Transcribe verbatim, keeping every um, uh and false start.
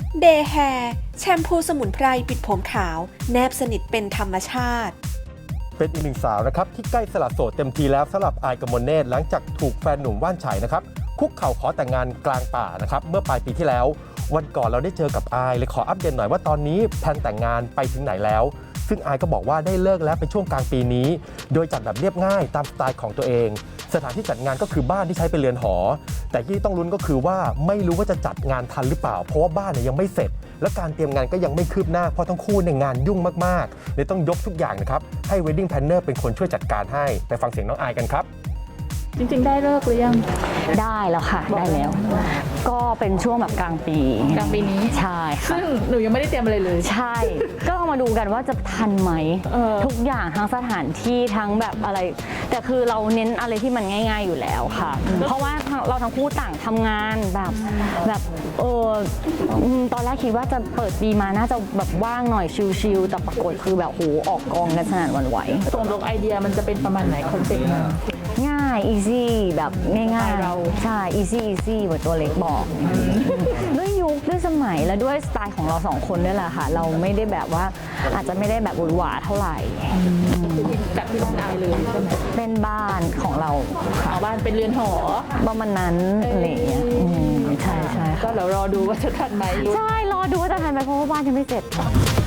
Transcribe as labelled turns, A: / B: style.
A: เดย์แฮร์แชมพูสมุนไพรปิดผมขาวแนบสนิทเป็นธรรมชาติ
B: เป็นอีกหนึ่งสาวนะครับที่ใกล้สละโสดเต็มทีแล้วสำหรับอายกมลเนตรหลังจากถูกแฟนหนุ่มว่านไฉนะครับคุกเข่าขอแต่งงานกลางป่านะครับเมื่อปลายปีที่แล้ววันก่อนเราได้เจอกับอายเลยขออัปเดตหน่อยว่าตอนนี้แพลนแต่งงานไปถึงไหนแล้วซึ่งอายก็บอกว่าได้เลิกแล้วเป็นช่วงกลางปีนี้โดยจัดแบบเรียบง่ายตามสไตล์ของตัวเองสถานที่จัดงานก็คือบ้านที่ใช้เป็นเรือนหอแต่ที่ต้องลุ้นก็คือว่าไม่รู้ว่าจะจัดงานทันหรือเปล่าเพราะว่าบ้านเนี่ยยังไม่เสร็จและการเตรียมงานก็ยังไม่คืบหน้าเพราะทั้งคู่ในงานยุ่งมากๆเลยต้องยกทุกอย่างนะครับให้ Wedding Planner เป็นคนช่วยจัดการให้ไปฟังเสียงน้องอายกันครับ
C: จริงๆได้เลิกหรือยัง
D: ได้แล้วค่ะได้แล้วก็เป็นช่วงแบบกลางปี
C: กลางปีนี้
D: ใช่ค่ะ
C: ซึ่งหนูยังไม่ได้เตรียมอะไรเลย
D: ใช่ก็มาดูกันว่าจะทันไหมทุกอย่างทั้งสถานที่ทั้งแบบอะไรแต่คือเราเน้นอะไรที่มันง่ายๆอยู่แล้วค่ะเพราะว่าเราทั้งคู่ต่างทำงานแบบแบบเออตอนแรกคิดว่าจะเปิดปีมาน่าจะแบบว่างหน่อยชิลๆแต่ปรากฏคือแบบโหออกกองกันสนั่นหวั่นไหว
C: ตรงลงไอเดียมันจะเป็นประมาณไหนคอนเซ็ปต์
D: ง่าย easy แบบง่ายๆเราใช่ easy easy เหมือนตัวเล็กบอกด้วยยุคด้วยสมัยและด้วยสไตล์ของเราสองคนนี่แหละค่ะเราไม่ได้แบบว่าอาจจะไม่ได้แบบหวือหวาเท่าไหร่
C: แบบที่ต้องอายเลยใช่ไหม
D: เป็นบ้านของเรา
C: ค่ะบ้านเป็นเรือนหอ
D: ประมาณนั้นอะไรอย่างเงี้ยใช่ใช่
C: ก็เดี๋ยวรอดูว่าจะทันไหม
D: ใช่รอดูว่าจะทันไหมเพราะว่าบ้านยังไม่เสร็จ